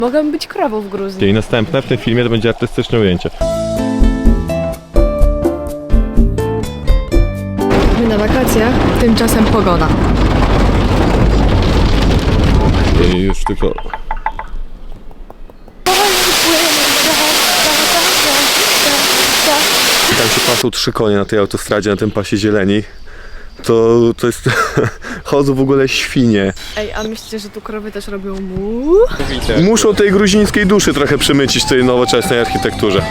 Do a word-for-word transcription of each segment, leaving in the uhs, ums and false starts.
Mogę być krową w Gruzji. I następne w tym filmie to będzie artystyczne ujęcie. My na wakacjach, tymczasem pogoda. I już tylko... Tam się pasą trzy konie na tej autostradzie, na tym pasie zieleni. To, to jest... chodzą w ogóle świnie. Ej, a myślicie, że tu krowy też robią mu? Muszą tej gruzińskiej duszy trochę przemycić w tej nowoczesnej architekturze.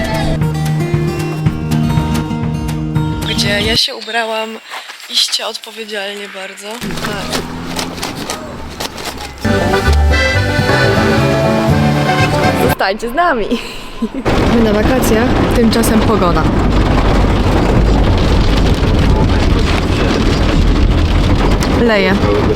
Gdzie ja się ubrałam iście odpowiedzialnie bardzo. Tak. Zostańcie z nami. My na wakacjach, tymczasem pogoda. Leje.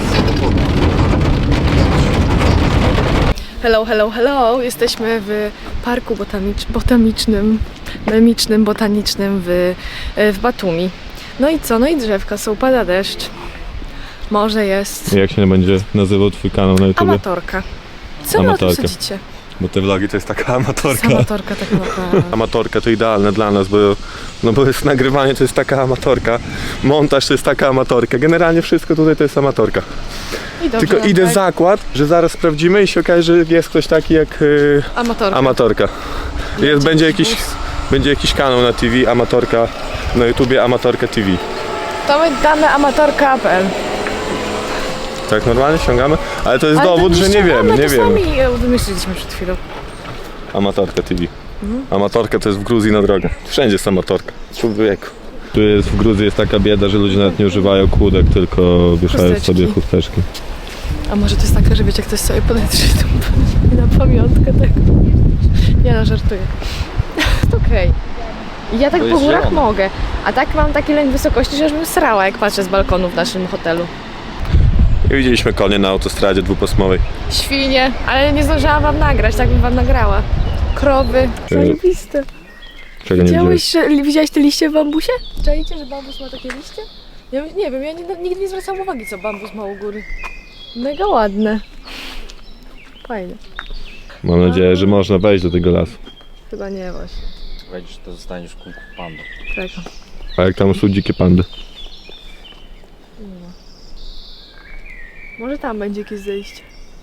Hello, hello, hello. Jesteśmy w parku botanicz, botanicznym, memicznym, botanicznym w, w Batumi. No i co? No i drzewka są, pada deszcz. Morze jest. Jak się będzie nazywał twój kanał na YouTube? Amatorka. Co wy o tym Amatorka. sądzicie? Bo te vlogi to jest taka amatorka. Amatorka tak naprawdę. Amatorka to idealne dla nas, bo, no bo jest nagrywanie to jest taka amatorka, montaż to jest taka amatorka, generalnie wszystko tutaj to jest amatorka. I dobrze, Tylko idę tak. w zakład, że zaraz sprawdzimy i się okaże, że jest ktoś taki jak yy, Amatorka. amatorka. Jest, będzie, jakiś, będzie jakiś kanał na T V, amatorka, na YouTubie Amatorka T V. To my damy amatorka kropka p l. Tak normalnie ściągamy? Ale to jest Ale dowód, to że nie ściągamy, wiemy, nie to wiemy. sami e, wymyśliliśmy przed chwilą. Amatorka T V. Amatorka to jest w Gruzji na drogę. Wszędzie jest amatorka. Człowieku. Tu jest w Gruzji jest taka bieda, że ludzie nawet nie używają kłódek, tylko wieszają Chusteczki. sobie chusteczki. A może to jest tak, że wiecie, ktoś sobie podetrze tą na pamiątkę tego. Nie no, żartuję. To okej. Okay. Ja tak po górach mogę, a tak mam taki lęk wysokości, że już bym srała, jak patrzę z balkonu w naszym hotelu. I widzieliśmy konie na autostradzie dwupasmowej. Świnie, ale nie zdążyłam wam nagrać, tak bym wam nagrała. Krowy, zajebiste. Czego nie widziałeś? Widziałeś, że, widziałeś te liście w bambusie? Czajcie, że bambus ma takie liście? Ja nie wiem, ja nie, nigdy nie zwracam uwagi, co bambus ma u góry. Mega ładne. Fajne. Mam nadzieję, że można wejść do tego lasu. Chyba nie właśnie. Jak wejdziesz, to zostaniesz kółku pandą. Czekam. A jak tam są dzikie pandy? Może tam będzie jakieś zejście.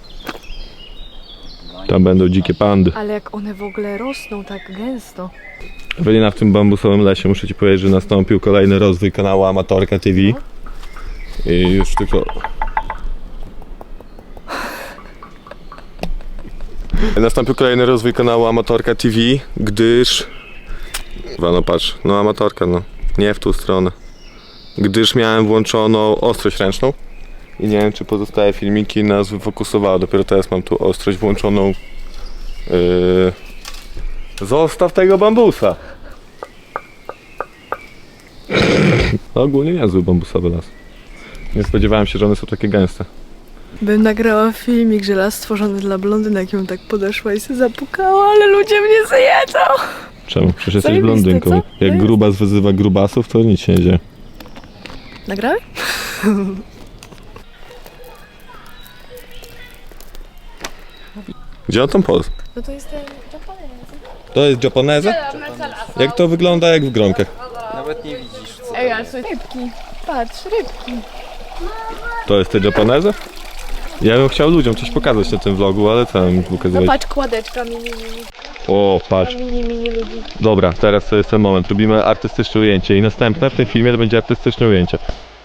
Tam będą dzikie pandy. Ale jak one w ogóle rosną tak gęsto. Ewelina, w tym bambusowym lesie muszę ci powiedzieć, że nastąpił kolejny rozwój kanału Amatorka T V. I już tylko... Nastąpił kolejny rozwój kanału Amatorka T V, gdyż... Chyba, no patrz, no amatorka, no. Nie w tą stronę. Gdyż miałem włączoną ostrość ręczną. I nie wiem, czy pozostałe filmiki nas wyfokusowały. Dopiero teraz mam tu ostrość włączoną. Yy... Zostaw tego bambusa! No, ogólnie niezły bambusowy las. Nie spodziewałem się, że one są takie gęste. Bym nagrała filmik, że las stworzony dla blondynek, ją tak podeszła i się zapukała, ale ludzie mnie zjedzą. Czemu? Przecież jesteś Zajebiste, blondynką. co? Jak Zajebiste. grubas wyzywa grubasów, to nic się nie dzieje. Nagrałeś? Gdzie on tam poz? No to jest ten Japonez. To jest japoneza? Jak to wygląda jak w gronkach? Nawet nie widzisz co. Ej, ale są rybki. Patrz, rybki. To jest te japoneza? Ja bym chciał ludziom coś pokazać na tym vlogu, ale co im No pokazywać? patrz, kładeczka mini, mini. O, patrz. Mini, mini ludzi. Dobra, teraz to jest ten moment. Robimy artystyczne ujęcie i następne w tym filmie to będzie artystyczne ujęcie.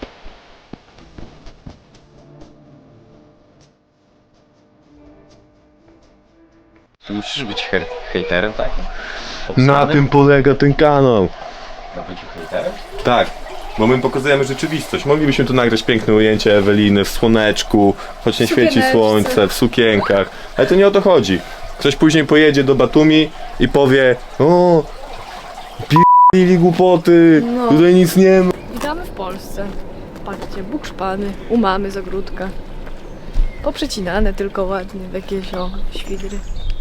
Musisz być her- hejterem, tak? Na tym polega ten kanał. Na byciu hejterem? Tak, bo my pokazujemy rzeczywistość. Moglibyśmy tu nagrać piękne ujęcie Eweliny w słoneczku, choć nie świeci Sukieneczce. słońce, w sukienkach. Ale to nie o to chodzi. Ktoś później pojedzie do Batumi i powie: o, p***li głupoty, No. tutaj nic nie ma. Witamy w Polsce. Patrzcie, bukszpany, u mamy z ogródka. Poprzecinane tylko ładnie w jakieś o świdry.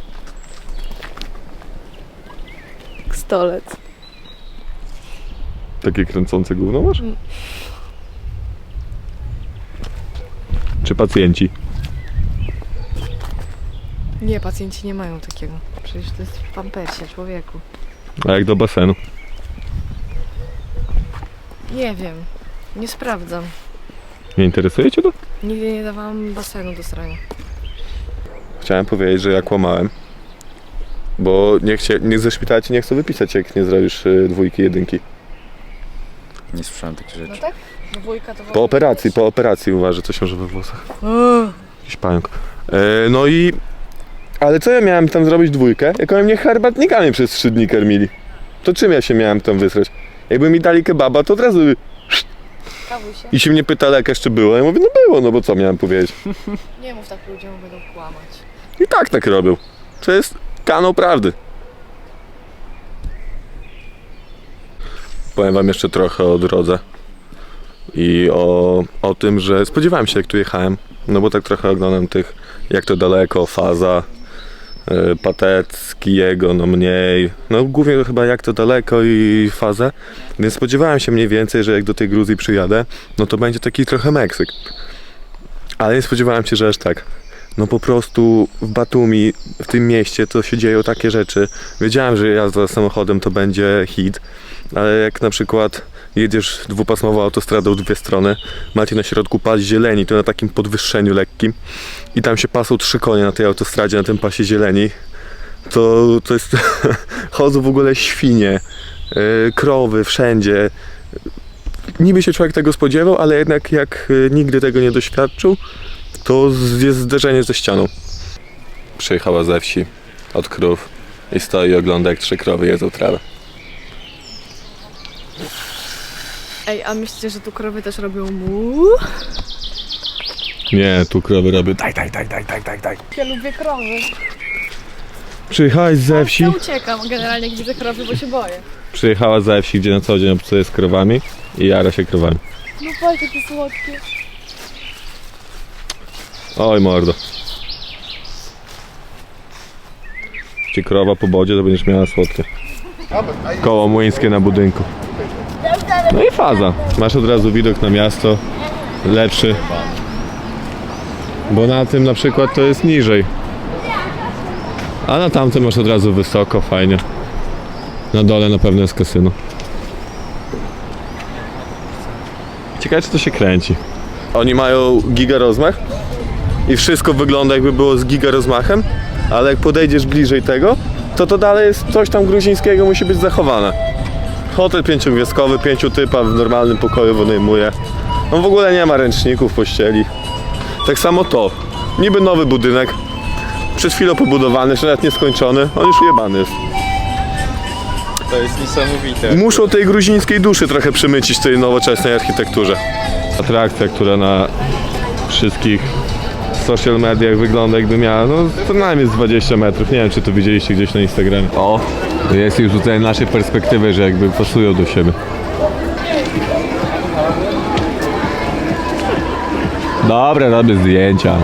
Stolec. Takie kręcące gówno masz? Mm. Czy pacjenci? Nie, pacjenci nie mają takiego. Przecież to jest w pampersie, człowieku. A jak do basenu? Nie wiem. Nie sprawdzam. Nie interesuje cię to? Nigdy nie dawałam basenu do srania. Chciałem powiedzieć, że ja kłamałem. Bo niech, cię, niech ze szpitala cię nie chcą wypisać, jak nie zrobisz y, dwójki, jedynki. Nie słyszałem takich rzeczy. No tak? Dwójka to Po operacji, po operacji uważa, coś może we włosach. Jakiś pająk. E, no i... Ale co ja miałem tam zrobić dwójkę, jak oni mnie herbatnikami przez trzy dni karmili? To czym ja się miałem tam wysrać? Jakby mi dali kebaba, to od razu... Kawuj się. I się mnie pytali, jak jeszcze było. Ja mówię, no było, no bo co miałem powiedzieć? Nie mów tak ludziom, będą kłamać. I tak tak robił. To jest kanał prawdy. Powiem wam jeszcze trochę o drodze. I o, o tym, że spodziewałem się, jak tu jechałem. No bo tak trochę oglądam tych, jak to daleko, Faza, yy, Patecki, jego, no mniej. No głównie chyba jak to daleko i Fazę. Więc spodziewałem się mniej więcej, że jak do tej Gruzji przyjadę, no to będzie taki trochę Meksyk. Ale nie spodziewałem się, że aż tak. No po prostu w Batumi, w tym mieście, to się dzieją takie rzeczy. Wiedziałem, że jazda samochodem to będzie hit, ale jak na przykład jedziesz dwupasmową autostradą w dwie strony, macie na środku pas zieleni, to na takim podwyższeniu lekkim i tam się pasą trzy konie na tej autostradzie, na tym pasie zieleni, to, to jest... chodzą w ogóle świnie, yy, krowy wszędzie. Niby się człowiek tego spodziewał, ale jednak jak yy, nigdy tego nie doświadczył, to jest zderzenie ze ścianą. Przyjechała ze wsi od krów i stoi i ogląda, jak trzy krowy jedzą trawę. Ej, a myślicie, że tu krowy też robią mu? Nie, tu krowy robią daj, daj, daj, daj, daj, daj, daj. Ja lubię krowy. Przyjechałeś ze wsi, Ja uciekam generalnie, jak widzę krowy, bo się boję. przyjechała ze wsi, gdzie na co dzień obcuje z krowami i jara się krowami. No patrz, jakie słodkie. Oj mordo. Ci krowa po bodzie, to będziesz miała słodkie. Koło młyńskie na budynku. No i Faza. Masz od razu widok na miasto. Lepszy. Bo na tym na przykład to jest niżej. A na tamtym masz od razu wysoko, fajnie. Na dole na pewno jest kasyno. Ciekawe, czy to się kręci. Oni mają giga rozmach i wszystko wygląda, jakby było z giga rozmachem, ale jak podejdziesz bliżej tego, to to dalej jest coś tam gruzińskiego, musi być zachowane. Hotel pięciogwiazdkowy, pięciu typa w normalnym pokoju wynajmuje. On w ogóle nie ma ręczników, pościeli. Tak samo to. Niby nowy budynek, przed chwilą pobudowany, jeszcze nawet nieskończony, on już ujebany jest. To jest niesamowite. Muszą tej gruzińskiej duszy trochę przymycić tej nowoczesnej architekturze. Atrakcja, która na wszystkich social mediach wygląda, jakby miała, no co najmniej z dwadzieścia metrów. Nie wiem, czy to widzieliście gdzieś na Instagramie. O, jest już tutaj naszej perspektywy, że jakby pasują do siebie. Dobra, robię zdjęcia.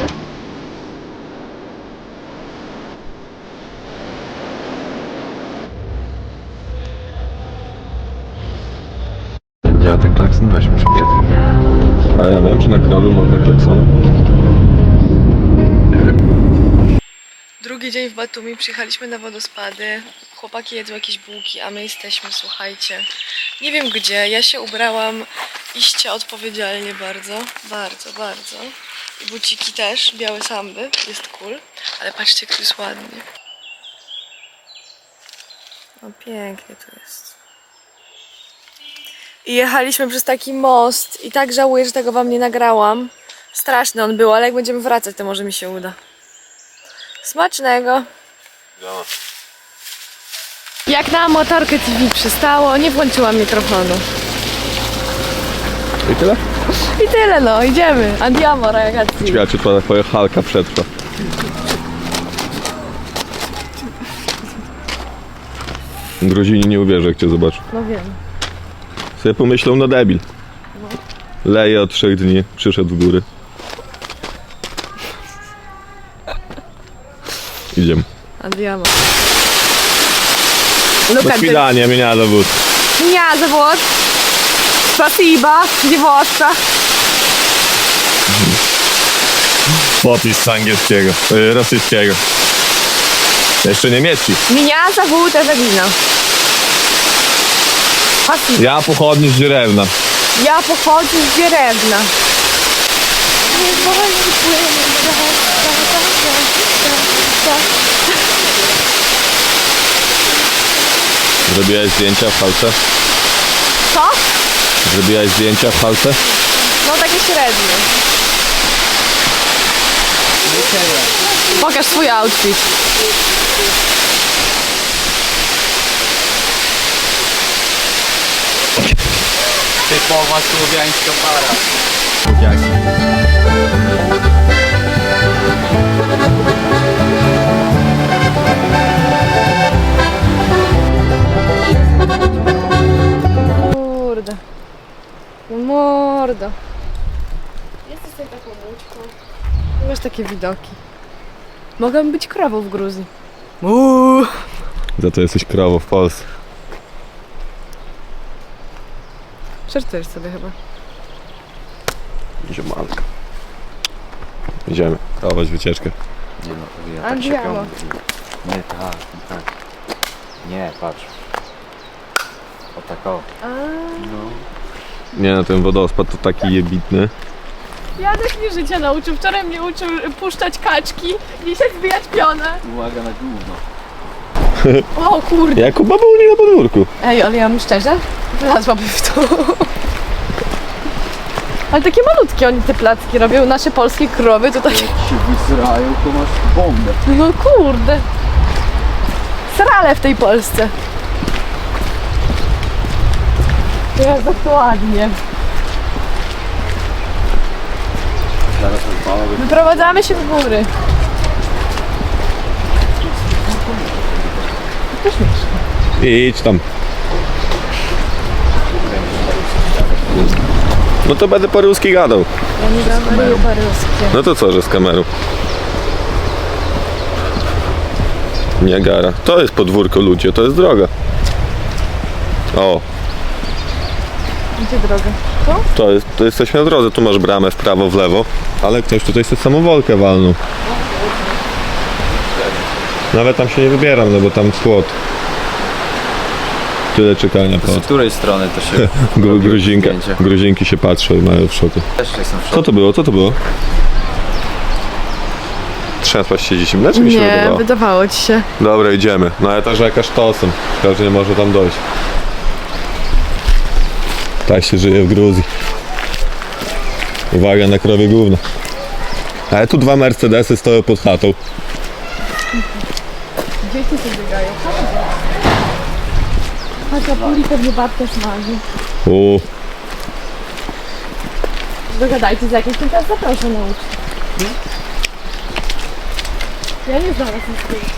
Ja ten klakson weź muszę wiedzieć. A ja wiem, czy na kanalu można klaksona. Drugi dzień w Batumi, przyjechaliśmy na wodospady. Chłopaki jedzą jakieś bułki, a my jesteśmy, słuchajcie, nie wiem gdzie. Ja się ubrałam iście odpowiedzialnie bardzo, bardzo, bardzo. I buciki też, białe samby, jest cool. Ale patrzcie, jak tu jest ładnie. No pięknie tu jest. I jechaliśmy przez taki most i tak żałuję, że tego wam nie nagrałam. Straszny on był, ale jak będziemy wracać, to może mi się uda. Smacznego! Jak na motorkę T V przystało, nie włączyłam mikrofonu. I tyle? I tyle no, idziemy. Andiamo ragazzi. Ciekawe, czy to twoja halka przetrwa. Gruzini nie uwierzą, jak cię zobaczą. No wiem. Sobie pomyślą, no debil. Leje od trzech dni, przyszedł w góry. Idziemy. Andiamo. Do Look at this. свидания, меня зовут. Меня зовут. Спасибо, девушка. Popis z angielskiego, yy, rosyjskiego. Jeszcze niemiecki. Меня зовут Ewelina. Спасибо. Ja pochodni z Dzierewna. Я походжу з Деревна. Zrobiłaś zdjęcia w halce? Co? Zrobiłaś zdjęcia w halce? No takie średnie. Pokaż swój outfit. Typowa słowiańska para. Jak? Kurde. No mordo. Jesteś sobie taką łódką. Masz takie widoki. Mogę być krową w Gruzji. Uuu. Za to jesteś krową w Polsce. Żartujesz sobie chyba. Ziemanka. Idziemy. Prowadź wycieczkę. Nie no, ja tak się Andiamo. piąłem. Nie, tak, tak. Nie, patrz. O tak o. A. No. Nie no, ten wodospad to taki jebitny. Janek mnie życia nauczył. Wczoraj mnie uczył puszczać kaczki, dzisiaj zbijać pionę. Uwaga na gówno. O kurde. Jak u babuni na podwórku. Ej, ale ja mam szczerze, wlazłabym w to. Ale takie malutkie oni te placki robią, nasze polskie krowy to takie... Jak się wysrają, to masz bombę. No kurde. Srale w tej Polsce. Jest dokładnie. Zaraz odpalałbym. Wyprowadzamy się w góry. To śmieszne. Idź tam. No to będę po ruski gadał. Ja nie gawaruję paryskie. No to co, że z kamerą? Niagara. To jest podwórko, ludzie, to jest droga. O, Gdzie droga? To? to, jest, to jesteśmy na drodze, tu masz bramę w prawo, w lewo. Ale ktoś tutaj sobie samowolkę walnął. Nawet tam się nie wybieram, no bo tam płot. Tyle czekania Z pod. której strony to się Gru- Gruzinka, zdjęcie? Gruzinki się patrzą i mają w szoku. Też jestem w Co szoku. to było? Co to było? Trzęsłaś się zimne, czy mi się Nie, wydawało? wydawało ci się. Dobra, idziemy. No ale ta rzeka sztosem. Każdy nie może tam dojść. Tak się żyje w Gruzji. Uwaga na krowie gówno. Ale tu dwa Mercedesy stoją pod chatą. Dzieci tu biegają. Haczapuri pewnie babcia smaży. U, Dogadajcie z jakimś, teraz zaproszę na ucztę. Ja nie znam rosyjskiego.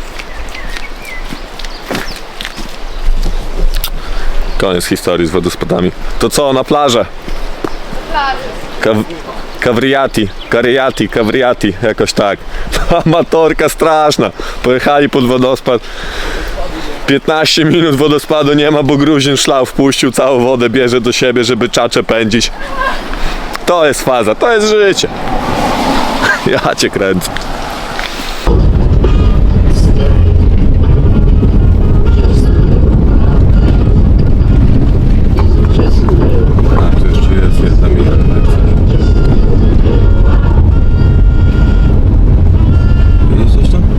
koniec historii z wodospadami. To co, na plażę? Kaw Kawriati, Kariati, Kawriati, jakoś tak. Amatorka straszna. Pojechali pod wodospad. piętnaście minut wodospadu nie ma, bo Gruzin szlał wpuścił, całą wodę bierze do siebie, żeby czacze pędzić. To jest faza, to jest życie. Ja cię kręcę. A, tu jeszcze jest jedna mila. Widzisz coś tam?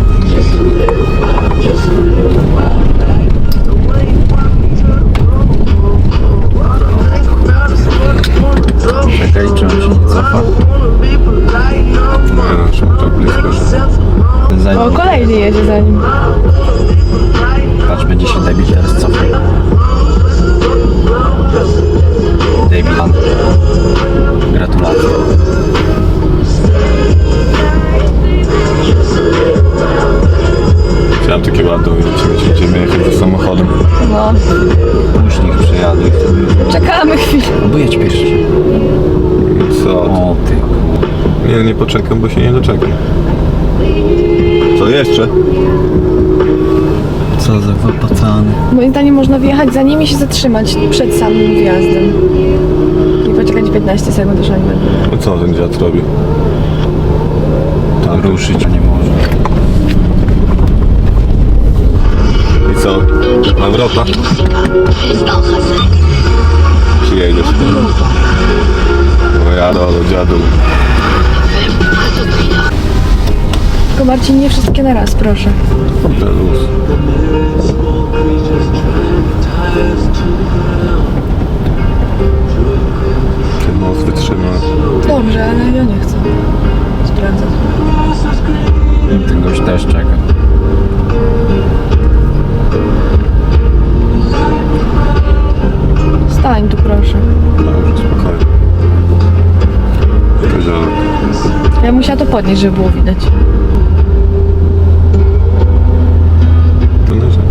Czekaj, czy on się nie cofa? No, no, to blisko, że... Za O, nim. kolejny jedzie za nim. Patrz, będzie się debil teraz cofał. Debilan. Gratulacje. Chciałem takie ładne ujęcie, gdzie będziemy jechać za samochodem. No, Później niech przejadę i wtedy... czekamy chwilę. Albo jedź pierwszy. Co? O ty. Nie, nie poczekam, bo się nie doczekam. Co jeszcze? Co za wypacany. Moim zdaniem można wjechać za nimi i się zatrzymać przed samym wjazdem. I poczekać piętnaście sekund, aż oni będą. No co ten dziad robi? autem. Ruszyć nie może. I co? Na wrota? Czy jedziesz? No ja do dziadu. Tylko Marcin, nie wszystkie na raz, proszę. Kurde, luz. Ten most wytrzyma. Dobrze, ale ja nie chcę sprawdzać. Ten gość też czeka. Stań tu, proszę. Dobrze, spokojnie. Koziołek. Ja musiała to podnieść, żeby było widać. To leży.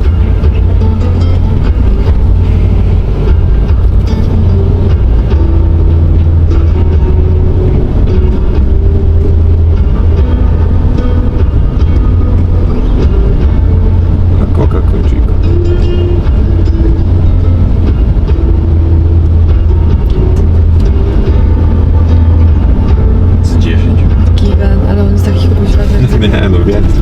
Na koka kończyka. Z dziesięć. Gigan, ale on jest taki kuźwa. Nie, no więcej.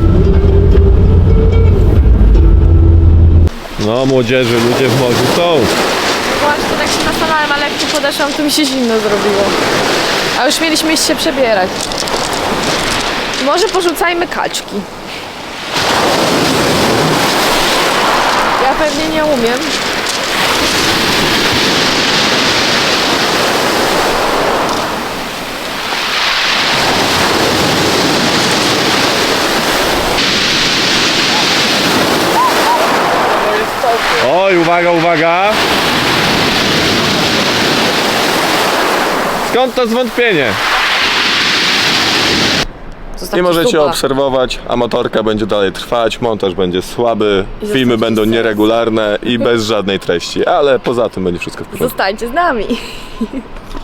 No młodzieży, ludzie w morzu są. Właśnie, tak się zastanawiam, ale jak tu podeszłam, to mi się zimno zrobiło. A już mieliśmy iść się przebierać. Może porzucajmy kaczki. Ja pewnie nie umiem. Oj, uwaga, uwaga! Skąd to zwątpienie? Zostawcie I możecie suba. obserwować, amatorka będzie dalej trwać, montaż będzie słaby, I filmy zostawcie będą suba. nieregularne i bez żadnej treści, ale poza tym będzie wszystko w porządku. Zostańcie z nami.